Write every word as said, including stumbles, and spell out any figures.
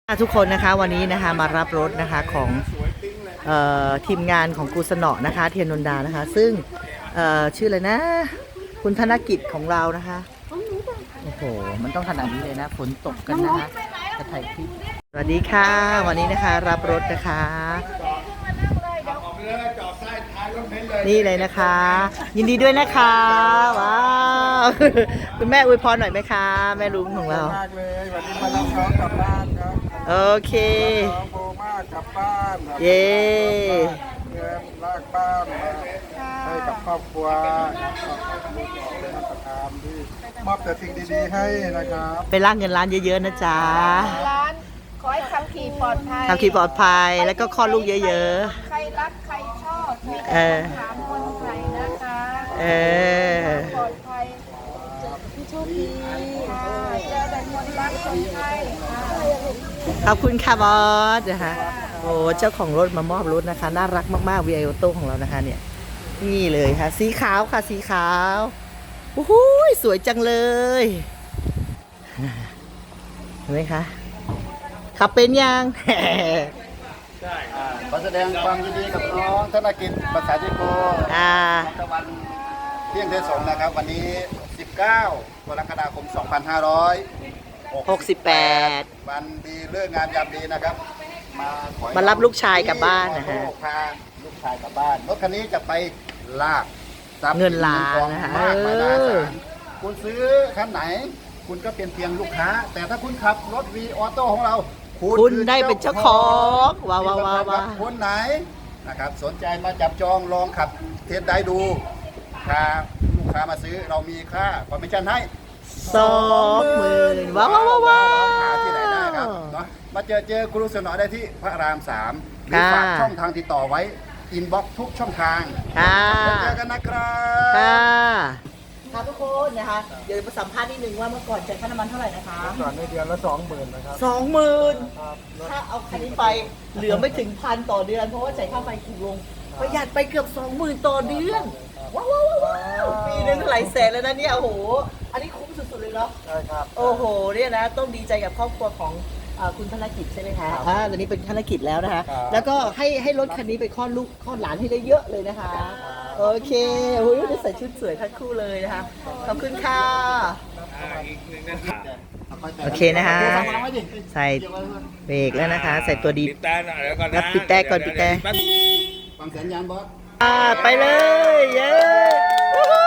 ทุกคนนะคะวันนี้นะคะมารับรถนะคะของเอ่อทีมงานของกูสนอนะคะเทียนนนดานะคะซึ่งเอ่อชื่ออะไรนะคุณธนกิจของเรานะคะโอ้โหมันต้องขนาดนี้เลยนะฝนตกกันนะคะจะถ่ายคลิปสวัสดีค่ะวันนี้นะคะรับรถนะคะนี่เลยนะคะ ยินดีด้วยนะคะว้าวคุณแม่อวยพรหน่อยไหมคะแม่ลุงของเรามากเลยวันนี้มารับน้องกลับบ้านครับโอเคน้องโบมากกลับบ้านเย้เงินลากบ้านมาให้กับครอบครัวเป็นมาตรการที่มอบแต่สิ่งดีๆให้นะครับไปลากเงินล้านเยอะๆนะจ๊ะร้านขอให้ขับขี่ปลอดภัยขับขี่ปลอดภัยแล้วก็คลอดลูกเยอะๆใครรักใครชอบมีเออถามคนไทยนะคะเออปลอดภัยพี่โชคดีค่ะเจอแต่คนรักคนไทยขอบคุณค่ะบอสนะคะโอ้เจ้าของรถมามอบรถนะคะน่ารักมากๆ วี ไอ Auto ของเรานะคะเนี่ยนี่เลยค่ะสีขาวค่ะสีขาวโอ้โหสวยจังเลยเห็นไหมคะขับเป็นยังขอแสดงความยินดีกับน้องธนกิจภาษาจิโกอ่าตะวันเที่ยงเทศสงนะครับวันนี้สิบเก้ากรกฎาคมสองพันห้าร้อยหกสิบแปดวันดีเลิกงานยามดีนะครับมาขอมารับลูกชายกลับบ้านนะฮะพาลูกชายกลับบ้านรถคันนี้จะไปลากเงินล้านนะคะมากมายมหาศาลคุณซื้อคันไหนคุณก็เป็นเพียงลูกค้าแต่ถ้าคุณขับรถ วี ออโต้ของเราคุณได้เป็นเจ้าของว้าวว้าวว้าวคนไหนนะครับสนใจมาจับจองลองขับเทสได้ดูพาลูกค้ามาซื้อเรามีค่าคอมมิชชั่นให้สองหมื่นว้าวว้าวว้าวหาที่ไหนได้ครับเนาะมาเจอเจอครูสนอได้ที่พระรามสามหรือฝากช่องทางติดต่อไว้อินบ็อกทุกช่องทางค่ะเจอกันนะครับค่ะค่ะทุกคนนะคะเดี๋ยวมาสัมภาษณ์นิดนึงว่าเมื่อก่อนจ่ายค่าน้ำมันเท่าไหร่นะคะก่อนในเดือนละสองหมื่นนะครับสองหมื่นถ้าเอาคันนี้ไปเหลือไม่ถึงพันต่อเดือนเพราะว่าจ่ายค่าไฟถูกลงประหยัดไปเกือบสองหมื่นต่อเดือนว้าวว้าวว้าวปีนึงหลายแสนแล้วนะเนี่ยโอ้โหอันนี้คุ้มสุดๆเลยเนาะใช่ครับโอ้โหเนี่ยนะต้องดีใจกับครอบครัวของคุณธนกิจใช่ไหมคะอ่าตอนนี้เป็นธนกิจแล้วนะคะแล้วก็ให้ให้รถคันนี้ไปคลอดลูกคลอดหลานให้ได้เยอะเลยนะคะโอเคโอ้ยได้ใส่ชุดสวยทั้งคู่เลยนะคะขอบคุณค่ะโอเคนะคะใส่เบรกแล้วนะคะใส่ตัวดีรับปิดแต่ก่อนปิดแต่ฟังสัญญาณบอสอ่าไปเลยเย้